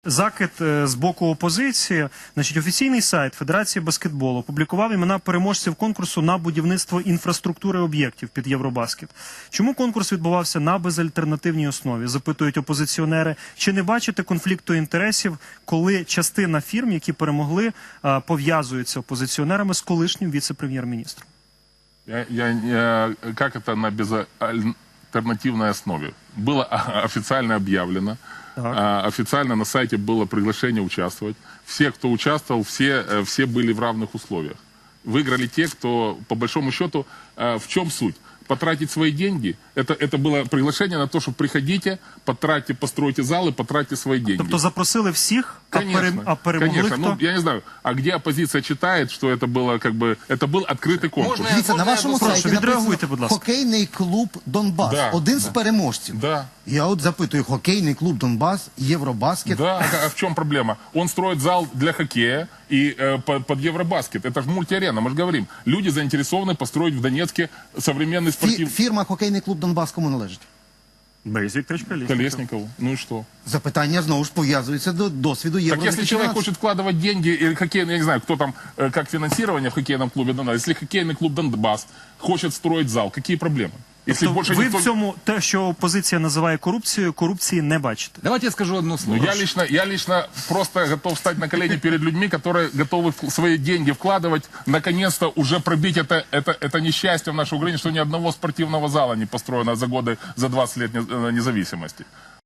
закид з боку опозиції. Значить, офіційний сайт Федерації баскетболу опублікував імена переможців конкурсу на будівництво інфраструктури об'єктів під Євробаскет. Чому конкурс відбувався на безальтернативній основі, запитують опозиціонери. Чи не бачите конфлікту інтересів, коли частина фірм, які перемогли, пов'язуються опозиціонерами з колишнім віце-прем'єр-міністром? Как это на безальтернативной основе? Было официально объявлено, официально на сайте было приглашение участвовать. Все, кто участвовал, все были в равных условиях. Выиграли те, кто, по большому счету, в чем суть? Потратить свои деньги. Это было приглашение на то, что приходите, потратьте, постройте залы, потратьте свои деньги. Тобто запросили всіх, Конечно, а перемогли конечно. хто? Ну, я не знаю, а где оппозиция читает, что это было как бы, это был открытый конкурс. Дивіться, на вашому сайті відреагуйте, будь написано ласка. «Хокейний клуб Донбас». Да, Один з переможців. Да. Я от запитую, хокейний клуб Донбас, Євробаскет. Да, а в чем проблема? Он строит зал для хоккея и под Евробаскет. Это же мультиарена, мы же говорим. Люди заинтересованы построить в Донецке современный спортивный... Фірма «Хокейний клуб Донбас» кому належить? Борис Вікторович Колєсніков. Колесникову. Ну и что? Запитання знову ж пов'язується до досвіду Євро. Так если человек хочет вкладывать деньги, или хоккейный, я не знаю, кто там, как финансирование в хоккейном клубе Донбасс, если хоккейный клуб Донбасс хочет строить зал, какие проблемы? Если Тобто больше ви никто... в цьому, те, що опозиція називає корупцією, корупції не бачите? Давайте я скажу одно Ну, слово. я лично просто готов встать на колени перед людьми, которые готовы свои деньги вкладывать, наконец-то уже пробить это несчастье в нашей Украине, что ни одного спортивного зала не построено за годы, за 20 лет независимости.